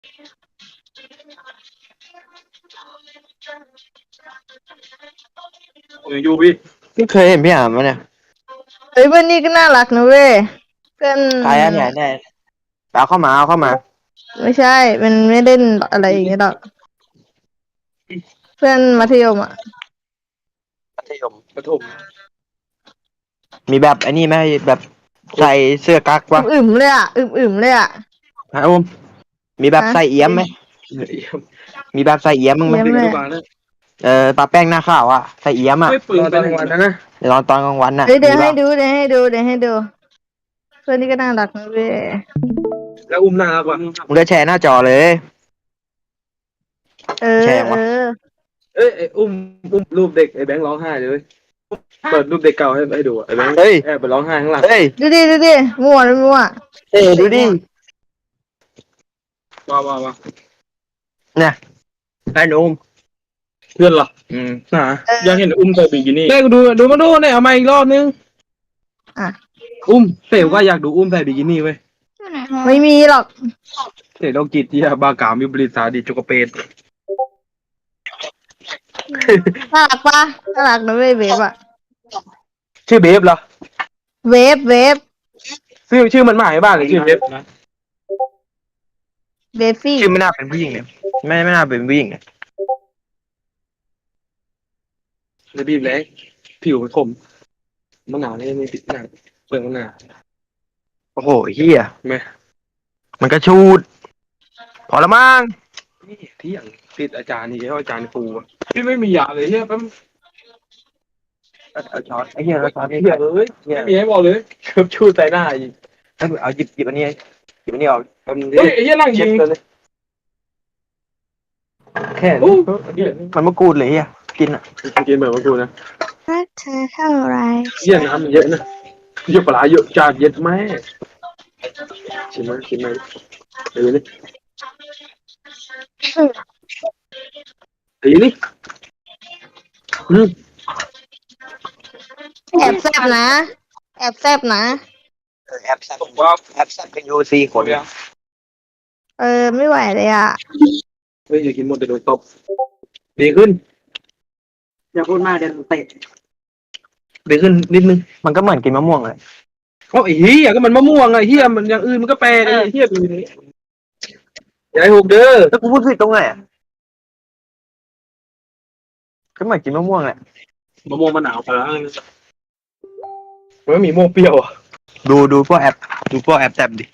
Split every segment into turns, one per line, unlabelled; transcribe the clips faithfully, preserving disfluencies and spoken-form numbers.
อยู่พี่พี่เคยเห็นพี่อ่านมาเนี่ย
เฮ้ยเพื่อนนี่ก็น่ารักนะเว้ยเพื่อน
ใครอ่ะเนี่ยเนี่ยเอาเข้ามาเอาเข้ามา
ไม่ใช่มันไม่เล่นอะไรอย่างเงี้ยหรอกเพื่อนมัธยมอ่ะ
มัธยมประถมมีแบบไอ้นี่ไหมแบบใส่เสื้อกั๊กวะ
อึมๆเลยอ่ะอึมๆเลยอ่ะ
ฮะอุ้มมีแบบใส่เอี้ยมไหมมีแบบใส่เอี้ยมมึงไหม
เยี่ยมเลย
เออปลาแป้งหน้าข้าวอ่ะใส่เอี้ยมอ่ะ
ไม่ปืนตอนกลางวันนะนะ
เดี๋ยวตอนตอนกลางวันน่ะ
เฮ้ยเดี๋ยว
มี
ให้
ป่ะ
ดูเดี๋ยวให้ดูเดี๋ยวให้ดูเพื่อนนี่ก็น่ารักนะเว้ย
แล้วอุ้มหน้ารักว่ะ
มึงก็แชร์หน้าจอเลย
เออ
แชร์วะ
เออ
เอ้ยไอ้อุ้มอุ้มรูปเด็กไอ้แบงค์ร้องไห้เลยเปิดรูปเด็กเก่าให้ให้ดูอะไอ้แบงค์
เฮ้ย
แอบไปร้องไห้ข้างหลัง
เฮ้ย
ดูดิดูดิมั่วเลยมั่ว
เฮ้ยดูดิ
ว้าวว้าวว้าว
เนี่ยไอ้หนุ่ม
เพื่อนเหรอ
อืม
หนาอยากเห็นอุ้มใส่บิกินี่ได้กูดูดูมาดูเนี่ยเอามาอีกรอบนึง
อ่ะ
อุ้มเต๋อว่าอยากดูอุ้มใส่บิกินี่เว้ย
ไม่มีหรอก
เต๋อโรคจิตที่บากามวิบริตสาดิจุกเปน
น่ารักปะน่ารักนะเว้ยเวฟอะ
ชื่อเบฟเหรอ
เวฟเวฟ
ชื่อชื่อมันหมายบ้านเลยชื่อเบฟนะ
เวฟฟี่
ชื่อไม่น่าเป็นผู้หญิงเนี่ยไม่ไม่น่าเป็นผู้หญิงเนี่ย
จะบีบเลยผิวมันคมมะนาวนี่ไม่ติดหนังเปลือกมะนาว
โอ้โหเฮีย
ไหม
มันก็ชูด พอละมั้ง
นี่ที่อย่างติดอาจารย์นี่แล้วอาจารย์ครูอะพี่ไม่มียาเลยเฮียแป๊บ
เอาช้อนไอ้เหี้ยเอาช้อน
เฮี
ไอ้
ย
เหี้ย
เอ้ยไม่มีให้บอกเลยเกือบชูใส่หน้าอีก
เอาหยิบหยิบอันนี้หยิบอันนี้ออกแป๊บนึงดิ
เฮ้ยไอ้เฮียนั่งยิ
เช็ด
ง
เลยแค่
โอ้
นี้มันมะกรูดเลยเฮียกินอ่ะ
กินเหมือนว่ากูนะ
รักเธอเท่าไร
เฮียน้ำมันเยอะนะเยอะปลาเยอะจานเย็ดแม่ชิมไหมชิมไหมเดี๋ยวนี้เดี๋ยวนี้อืม
แอบแซบนะ แอบแซบนะ
แอบแซ่บแอบแซ่บกันอยู่สี่คน
เออไม่ไหวเลยอ่ะ
เฮ้ยอย่ากินหมดเดี๋ยวโดนตบดีขึ้น
อย่าพูดมากเดี๋ยวเตะดีขึ้นนิดนึงมันก็เหมือนกินมะม่วงเลย
เอ้าไอ้เฮียก็มันมะม่วงไอ้เฮียมันอย่างอื่นมันก็แปลกไอ้เฮียดูนี่อย่าให้หกเด้อ
แล้วกูพูดผิดตรงไหนอะก็เหมือนกินมะม่วงแหละ
มะม่วงมะนาวปลาร้ามันไม่มีม่วงเปรี้ยวอ่ะ
ดูดูพวกแอปดูพวกแอปแท็บดิ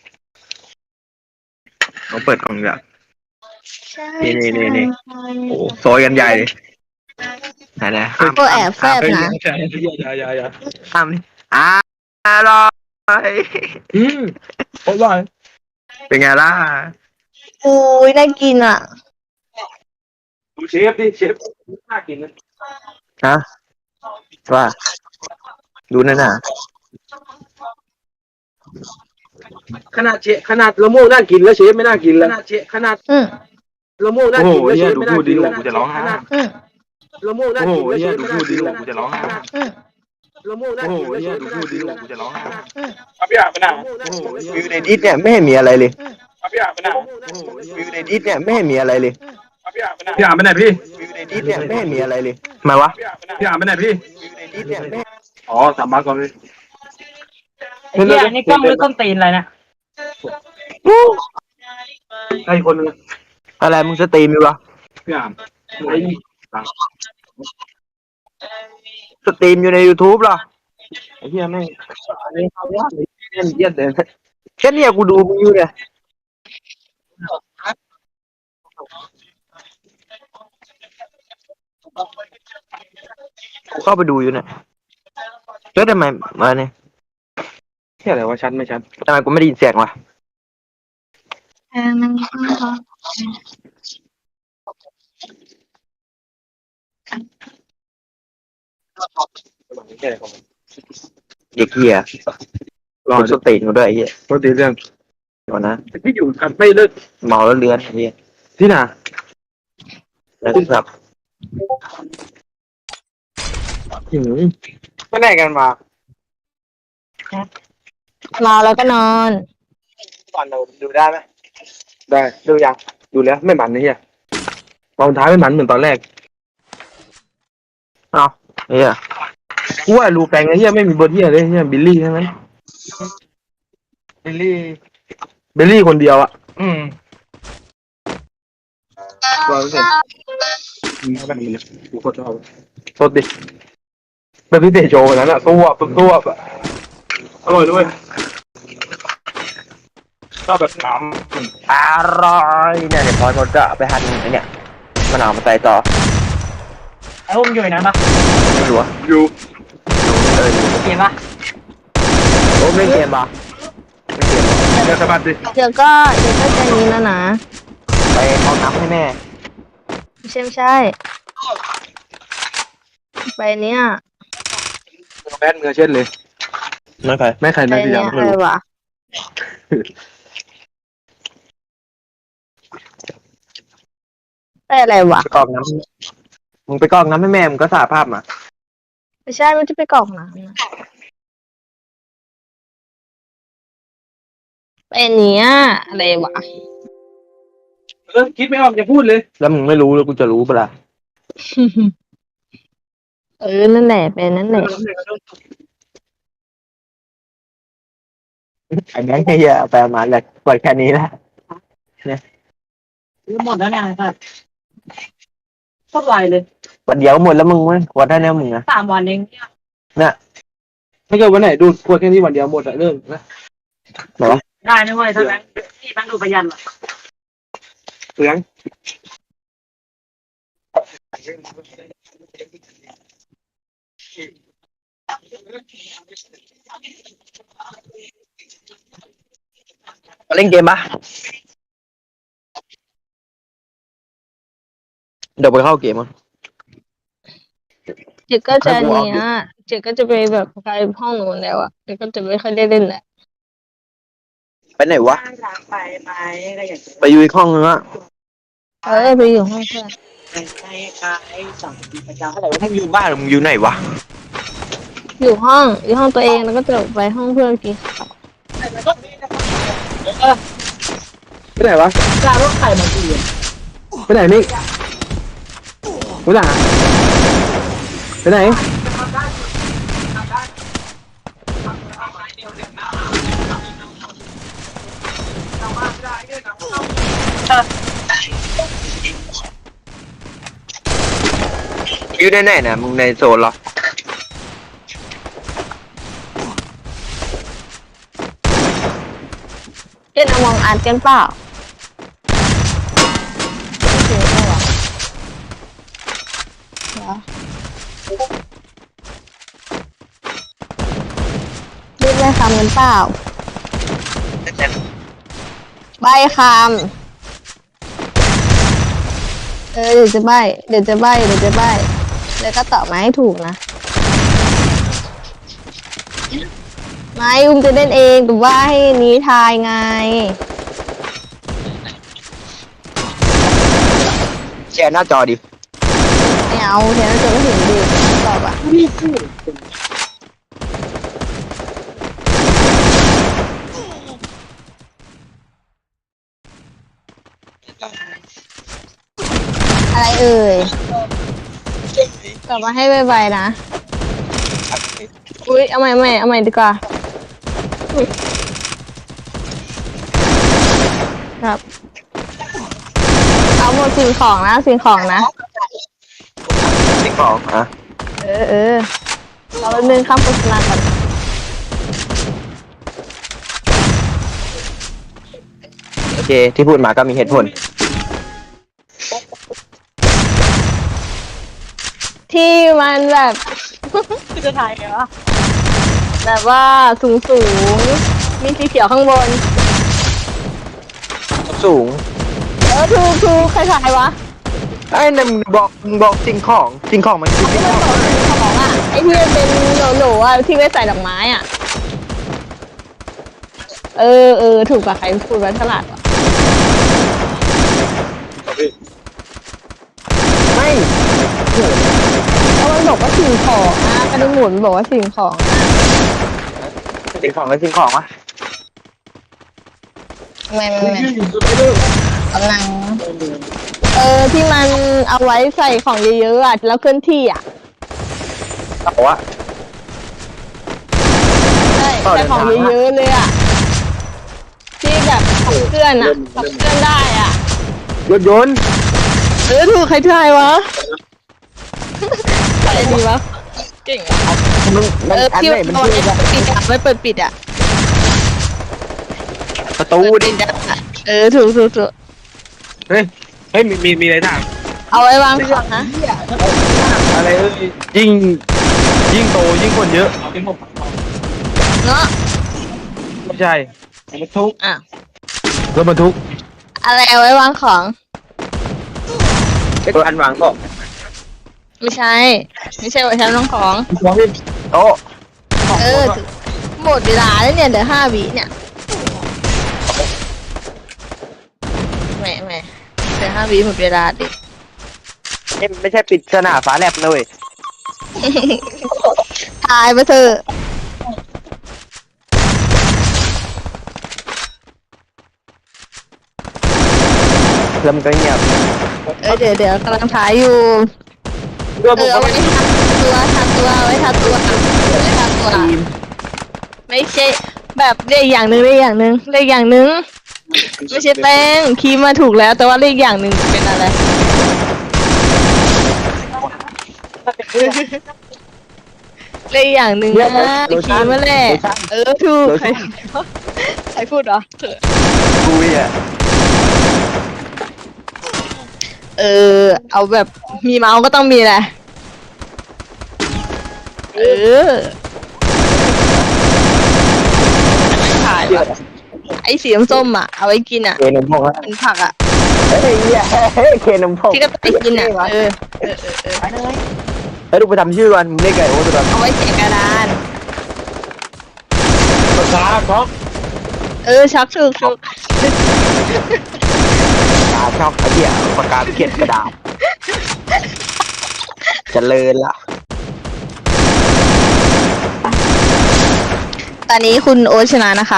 เขาเปิดกล่องแบบนี่นี่นี่นี่โอ้โซยกันใหญ่เลยไหนนะห้าม
พวกแอบแซบนะ
ใช่อย่าอย่าอย่า
ห้ามนี่อร่อย
อืมอร่อย
เป็นไงล่ะ
อุ้ยน่ากินอ่ะ
ดูเชฟดิเชฟน่ากินนะ
ฮะว่าดูนั่นน่ะ
ขนาดเชฟขนาดละโม่น่ากินแล้วเชฟไม่น่ากินแล้วขนาดเชฟขนาด
อืม
ละโม่น่ากินแล้วเชฟไม่น่ากินแล้ว
กูจะร้องไห้
อืม
ละโม่น่ากินแล้วเชฟไม่น่ากินแล้ว
กูจะร้องไห้
อืม
ละโม่น่ากินแล้วเชฟไม่น่ากินแล้ว
กูจะร้องไห้
อืม
ครับพี่อาบน้
วิวในดิสเนี่ยไม่เห็นมีอะไรเลย
ำครับพี่อาบน้
วิวในดิสเนี่ยไม่เห็นมีอะไรเลย
ำครับพี่อาบน้ำพี่อาบไปไหนพี่
วิวในดิสเนี่ยไม่เห็นมีอะไรเลยทำไมวะ
พี่อาบไปไหนพี่
วิวในดิสเนี่ยไม่
อ๋อสามบาทก่อนพี่
ไอ้เหี้ยนี่กล้องหรือต้นตีนอะไรนะ
ใครคนนึง
อะไรมึงสตรีมอยู่วะ
พี่อาบไอ้
สตรีมอยู่ใน YouTube เหรอไอ้เหี้ยแม่งเล่นเขายากเลยเล่นเยี่ยนเลยแค่เนี้ยกูดูมึงอยู่เนี่ยกูเข้าไปดูอยู่เนี่ยแล้วทำไมมาเนี่ย
ที่อะไรวะชัดไม่ชัด
ทำไมกูไม่ได้ยินเสียงวะ
อ่ามันก็
แค่ของ
เด็กเหี้ย
รอ
กูสตรีมมาด้วยไอ้เหี้ย
ปกติเรื่อง
เดี๋ยวนะ
พี่อยู่กันไม่เลิก
เมาแล้วเลือนไอ้เหี้ย
ที่ไหน
แล้วครับ
อืม
ไปไหนกันมา
เมาแล้วก็นอน
ก่อนเราดูได้ไหม
ได้
ดูยัง
ดูแล้วไม่มันนะเฮียตอนท้ายไม่มันเหมือนตอนแรก
เอาเฮีย
กูว่ารูแปลงไอ้เฮียไม่มีบทเฮียเลยเฮียบิลลี่ใช่ไหม
บิลลี่
บิลลี่คนเดียวอะ
อืม
ร้อยเปอร์เซ็นต์แบบนี้เลยกูโคตรชอบสดดิแบบที่เตะโชว์นั้นอะตัวตัวตัวอะอร่อยด้วย
ชอบแบบน้ำอร่อยเนี่ยเดี๋ยวพอเราจะเอาไปหั่นไอ้เนี่ยมะนาวมาใส่ต่อ
ไอ้พวกมึงอยู่ในนั้นปะ
ไม่รู้ว่า
อยู่
เอออยู่
เกมปะ
โอ้ไม่เกมปะไม่เกมปะ
เดี๋ยวสะบัดดิ
เดี๋ยวก็เดี๋ยวก็จะนี้แล้วนะ
ไปเอาน้ำให้แม่
ไม่ใช่ไม่ใช่ไปเนี้ย
แมสมือเช็ดเลย
ไม่ใคร
แม่ใคร
ไป
นะพี่
เนี้
ยั
ย
ง
อะ
ไม่
ไร
รู้
วะ ไปอะไรวะ
ไปกรอกน้ำมึงไปกรอกน้ำให้แม่มึงก็สาภาพมา
ไม่ใช่ไม่จะไปกรอกน้ำนะไปเนี้ยอะไรวะ
เออคิดไม่ออกจะพูดเลย
แล้วมึงไม่รู้แล้วกูจะรู้ปะล่ะ
เออนั่นแหละเป็นนั่นแหละ
ไอ้แบงค์เฮียเอาไปเอามาเลยปล่อยแค่นี้ละ
หมดแล้วเนี่ยครับโคตรไวเลย
วันเดียวหมดแล้วมึงเว้ยวันได้แล้วมึงอะ
สามวันเอง
ถ้าเกิดวันไหนดูดขวดแค่นี้วันเดียวหมดอะเริ่มนะ
ได้นะเว้ยถ้าแบงค์ที่แบงค์ดูประหยัดอะ
เปลือง
มาเล่นเกมปะเดี๋ยวไปเข้าเกมมั้ง
เจ๊ก็จะเนี้ยเจ๊ก็จะไปแบบไปห้องหนูนแล้วอ่ะเจ๊ก็จะไม่ค่อยได้เล่นแหละ
ไปไหนวะ
ไปไปอะไรอย่างเงี้ย
ไปอยู่อีกห้องนึงอะ
เออไปอยู่ห้องเพื่อน
ไปไปไปสองประจำ
อะไรวะมึงอยู่บ้านหรือมึงอยู่ไหนวะ
อยู่ห้องอยู่ห้องตัวเองแล้วก็จะไปห้องเพื่อนกินข้าว
เออ
ไปไหนวะ
กลายว่าไข่มากี่
ไปไหนนี่ไปไหนไปไหน
อยู่ในไหนนะมึงในโซนเหรอ
เล่นเอามองอ่านกันเปล่าไม่เจอแล้วอ่ะเหรอเรียกใบคำกันเปล่าใบคำเออเดี๋ยวจะใบเดี๋ยวจะใบเดี๋ยวจะใบแล้วก็ตอบมาให้ถูกนะไม่อุ้มจะเล่นเองแต่ว่าให้นี้ทายไง
แชร์หน้าจอดิ
ไม่เอาเดี๋ยวเราจะไม่ถึงดิตอบอ่ะอะไรเอ่ยตอบมาให้ไวๆนะ อุ้ยเอาใหม่เอาใหม่เอาใหม่ดีกว่าอุ๊ยครับ เอาหมดสิ่งของนะสิ่งของนะ
สิ่งของอ่ะ
เออเออเราไปเดินข้ามโฆษณาก่อน
โอเค ที่พูดมาก็มีเหตุผล
ที่มันแบบ
จะถ่ายไงวะ
แบบว่าสูงสูงมีสีเขียวข้างบน
สูง
เออถูกถูกใครถ่ายวะ
ไอ้นั่นมึงบอกมึงบอกสิ่งของสิ่งของมันคือสิ่งของ
ของอ่ะไอ้ที่มันเป็นโหลโหลอ่ะที่ไว้ใส่ดอกไม้อ่ะ เออเออถูกกว่าใครพูดว่าฉลาดวะ
ไม่
แล้วมันบอกว่าสิ่งของนะกระดิ่งหมุนบอกว่าสิ่งของ
สิ่งของกับสิ่งของวะ
เอไม่ไม่ไม่กำลังเออที่มันเอาไว้ใส่ของเยอะๆอ่ะแล้วเคลื่อนที่อ่ะ
แต่ว่า
ใช่ใส่ของเยอะๆเลยอ่ะที่แบบขับเคลื่อนอ่ะขับเคลื่อนได้อ่ะ
รถยนต์
เออถูกใครทายวะใครดีวะเก่งอ่ะ
มันมัน
เออ
อัน
ที่
ไหนมัน
เอา
ชื่อ
ไว้
ว่า
ปิดอ่ะไว้เปิดปิดอ่ะ
ประตูดิ
ปิดอ่ะเออถูกถูกถูก
เฮ้ยเฮ้ยมีมีมีอะไรถาม
เอาไว้วางของนะ
อะไรเอ้ยยิ่งยิ่งโตยิ่งคนเยอะ
เนาะ
ไม่ใช่
รถทุก
อ่ะ
รถบรรทุก
อะไรเอาไว้วางของ
รถอันวางก็
ไม่ใช่ ไม่ใช่ไว้ชั้นวางของ
มองดิโต๊ะ
เออถึงหมดเวลาแล้วเนี่ยเดี๋ยวห้าวิเนี่ยแหมแหมเดี๋ยวห้าวิหมดเวลาดิ
นี่ไม่ใช่ปิดสนาฟ้าแลบนะเลย
ทายมาเถอะ
เริ่มก็เงียบ
เออเดี๋ยวเดี๋ยวกำลังทายอยู่
เรื่อง
เอ
ผม
อ
ก็
เอา
ไม่
ไว้ทาตัวทาตัวเอาไว้ทาตัวเอาไว้ทาตัว
ทีม
ไม่ใช่แบบเรียกอย่างหนึ่งเรียกอย่างหนึ่งเรียกอย่างหนึ่งไม่ใช่แป้งคีมมาถูกแล้ว แต่ว่าเรียกอย่างหนึ่งเป็นอะไรเรียกอย่างหนึ่งนะคีมมาแหละเออถูกใครใครพูดเหรอ
คุยอ่ะ
เออ เอาแบบมีเมาส์ก็ต้องมีแหละเออถ่ายแบบไอ้สีส้มๆอ่ะเอาไว้กินอ่ะ
เคนมพงแล้ว
เป็นผักอ่ะ
เฮ้ยเหี้ยเฮ้ยเคนมพง
ที่ก็ไปกินอ่ะเออเออเออเออ
เฮ้ยดูไปทำชื่อก่อนมึงเรียกไก่โอ้ตัวนั้น
เอาไว้เขียนกระดาน
ภาษาช็อก
เออชักถูกถูก
ปากกาช็อกไอ้เหี้ยปากกาเขียนกระดาษเจริญละ
ตอนนี้คุณโอ๊ตชนะนะคะ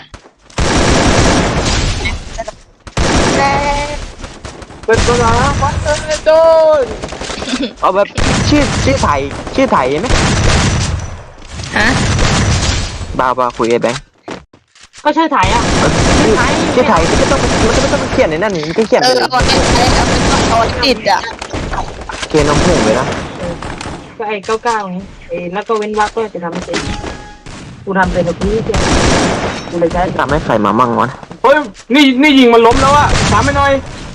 เป็นภาษาวัดเออโดน
เอาแบบชื่อชื่อไทยชื่อไทยไหม
ฮะ
บ้าบ้าคุยไอ้แบงค์
ก็ชื่อไทยอ่ะ
ชื่อชื่อไทยมันก็ต้องมันก็ไม่ต้องเขียนในนั่นนี่มันก็เขียน
เอ
ไป
อเอาไว้เอาไว้เอาไว้ติดอ่ะ
เคนมผงเลยนะ
ก็ไอ้เก้าเก้านี้ไอ้แล้วก็เว้นวรรคก็จะทำไม่เป็นกูทำเป็นแบบนี้เดียวกูเลยใช้
ทำให้ใครมามั่งวะ
เฮ้ยนี่นี่ยิงมันล้มแล้วอะถามไม่หน่อย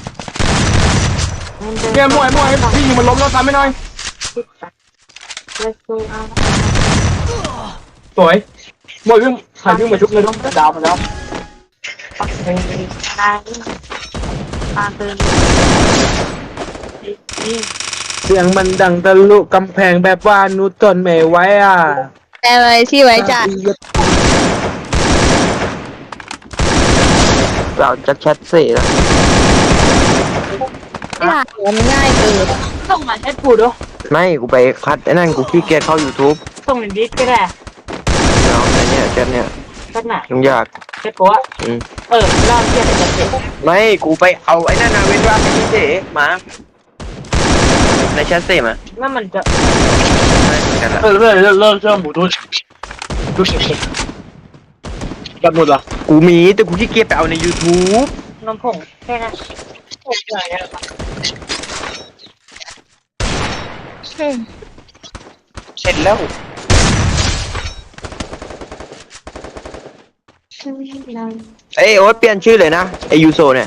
เกมมวยมวยพี่ยิงมันล้มแล้วถามไม่หน่อยสวยมวยวิ่งถ่ายวิ่งมาชุบเลยต้องดาวมาแล้ว
ปักเองได้ตามเดินนี่
เสียงมันดังทะลุกำแพงแบบว่านูตนไม่ไหวอ่ะ
แต่อะไรที่ไว้จ่าย
เราจะแชทเสียแล้ว
ไม่ได้มันง่ายเกิน
ส่งมาแชทกูด้วย
ไม่กูไปคัดไอ้นั่นกูขี้เกียจเข้า YouTube
ส่งในดิสก็ได้
เนาะไอ้เนี่ยแชทเนี่ย
ก็หนัก
ยุ่งยาก
แชทกูอ่ะ
อืม
เออเล่าเที่ยวแต่จะเสร็จ
ไม่กูไปเอาไอ้นั่นนะเว้นว่างไอ้ที่เจ๋มาในแชทเสียมา
นั่นมันจะ
ไม่เหมือนกันละ
เออเริ่มเริ่มเริ่มเริ่มหมูทุนดูสิกันหมดละ
กูมีแต่กูขี้เกียจไปเอาใน YouTube
นมผงแค่นั้นผงใหญ่อะ
อืม
เสร็จแล้วเอ้ยโอ๊ตเปลี่ยนชื่อเลยนะไอยูโซเนี่ย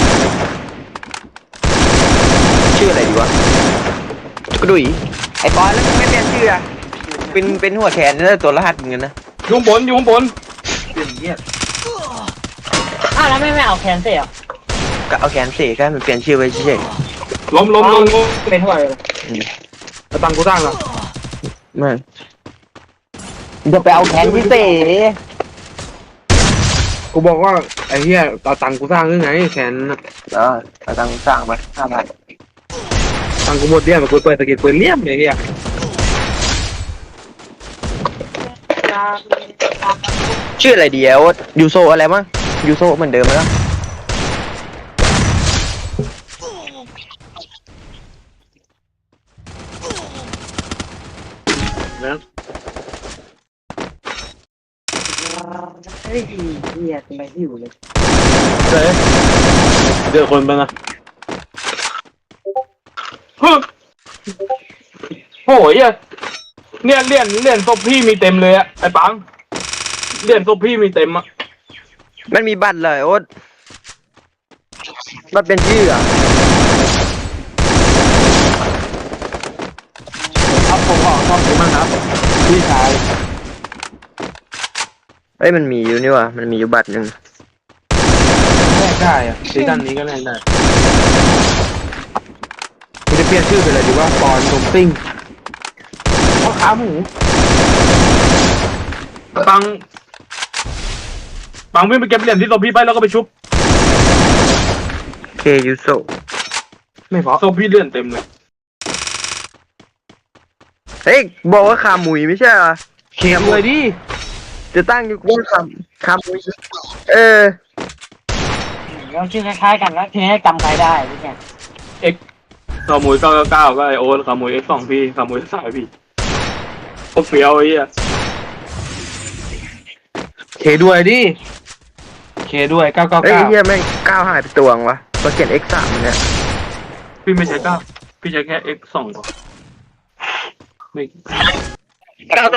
ชื่ออะไรดีวะกระดุยไอปอนแล้วมึงไม่เปลี่ยนชื่ออะเป็นเป็นหัวแขนแล้วตัวรหัสมึงนะ
ยุงบนยุงบนเปลี่ยนเงี้ย
อ้าวแล้วไม่ไม่เอาแคนเสีย
ก็เอาแขนเสกกันมันเปลี่ยนชื่อไว้เฉย
ล้มล้มล้มล้มเป็นเท่าไหร่แต่ตังกูตั้งอ่ะ
ๆมันจะไปเอาแขนพิเศษ
กูบอกว่าไอ้เหี้ยเอาตังกูสร้างยังไงแขน
เออเอาตังค์สร้างไปห้าพัน
ตังกูหมดเดี่ยมกูเปิดตะเกียบเปิดเลี่ยมไอ้เหี้ย
ชื่ออะไรดีอะโอ๊ตยูโซอะไรมั้งยูโซเหมือนเดิมแล้ว
นะ
เฮ้ยเฮียทำไมหิวเลย
เจ๊เจอคนไปนะฮึโอ้ยเนี่ยเหรียญเหรียญศพพี่มีเต็มเลยอะไอ้ปังเหรียญศพพี่มีเต็มอะ
มันมีบัตรเลยโอ๊ตบัตรเป็นชื่ออ่ะ
ครับผมขอชอบดีมากครับพี่ชาย
เอ้ยมันมีอยู่นี่ว่ะมันมีอยู่บัตรหนึ่ง
แลกได้อะซีซั่นนี้ก็แลกได้กูจะเปลี่ยนชื่อไปเลยดีว่าปอนนมซิ่งพ่อค้าหมูปังปังวิ่งไปเก็บเหรียญที่ศพพี่ไปแล้วก็ไปชุบ
เคยูโซ
ไม่พอศพพี่เลื่อนเต็มเลย
เฮ้ยบอกว่าขาหมุยไม่ใช่เหรอ
เขียนเลยดิ
จะตั้งอยู่ว่าขาขาหมุยเออ
เราชื่อคล้ายๆกันแล้วทีนี้จำใครได้พี่แก
เอ็กขโมยเก้าเก้าเก้าก็ไอโอ๊ตขโมยเอ็กสองพี่ขโมยสายพี่โคตรเฟี้ยวไอ้เหี้ยเคด้วยดิเคด้วยเก้าเก้า
เอ้ย
เก้า
เฮียแม่งก้าวหายไปตัวงวะก็เขียน X สามเนี่ย
พี่ไม่ใช่เก้าพี่ใช้แค่เอ็กสองพอไม่